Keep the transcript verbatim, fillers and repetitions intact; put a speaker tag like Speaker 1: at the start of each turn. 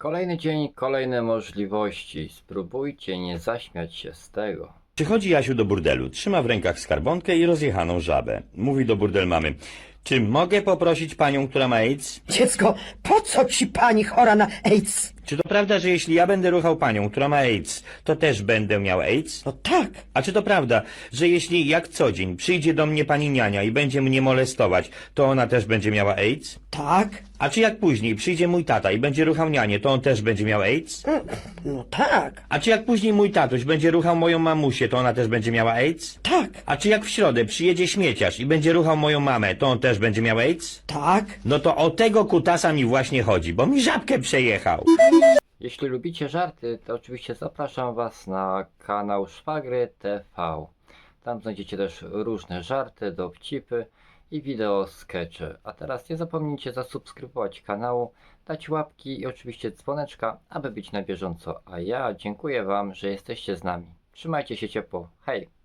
Speaker 1: Kolejny dzień, kolejne możliwości. Spróbujcie nie zaśmiać się z tego.
Speaker 2: Przychodzi Jasiu do burdelu, trzyma w rękach skarbonkę i rozjechaną żabę. Mówi do burdel mamy: czy mogę poprosić panią, która ma AIDS?
Speaker 3: Dziecko, po co ci pani chora na AIDS?
Speaker 2: Czy to prawda, że jeśli ja będę ruchał panią, która ma AIDS, to też będę miał AIDS?
Speaker 3: No tak.
Speaker 2: A czy to prawda, że jeśli jak co dzień przyjdzie do mnie pani niania i będzie mnie molestować, to ona też będzie miała AIDS?
Speaker 3: Tak?
Speaker 2: A czy jak później przyjdzie mój tata i będzie ruchał nianię, to on też będzie miał AIDS?
Speaker 3: No tak.
Speaker 2: A czy jak później mój tatuś będzie ruchał moją mamusię, to ona też będzie miała AIDS?
Speaker 3: Tak.
Speaker 2: A czy jak w środę przyjedzie śmieciarz i będzie ruchał moją mamę, to on też będzie miał AIDS?
Speaker 3: Tak.
Speaker 2: No to o tego kutasa mi właśnie chodzi, bo mi żabkę przejechał.
Speaker 1: Jeśli lubicie żarty, to oczywiście zapraszam Was na kanał Szwagry T V. Tam znajdziecie też różne żarty, dowcipy i wideo skecze. A teraz nie zapomnijcie zasubskrybować kanału, dać łapki i oczywiście dzwoneczka, aby być na bieżąco. A ja dziękuję Wam, że jesteście z nami. Trzymajcie się ciepło. Hej!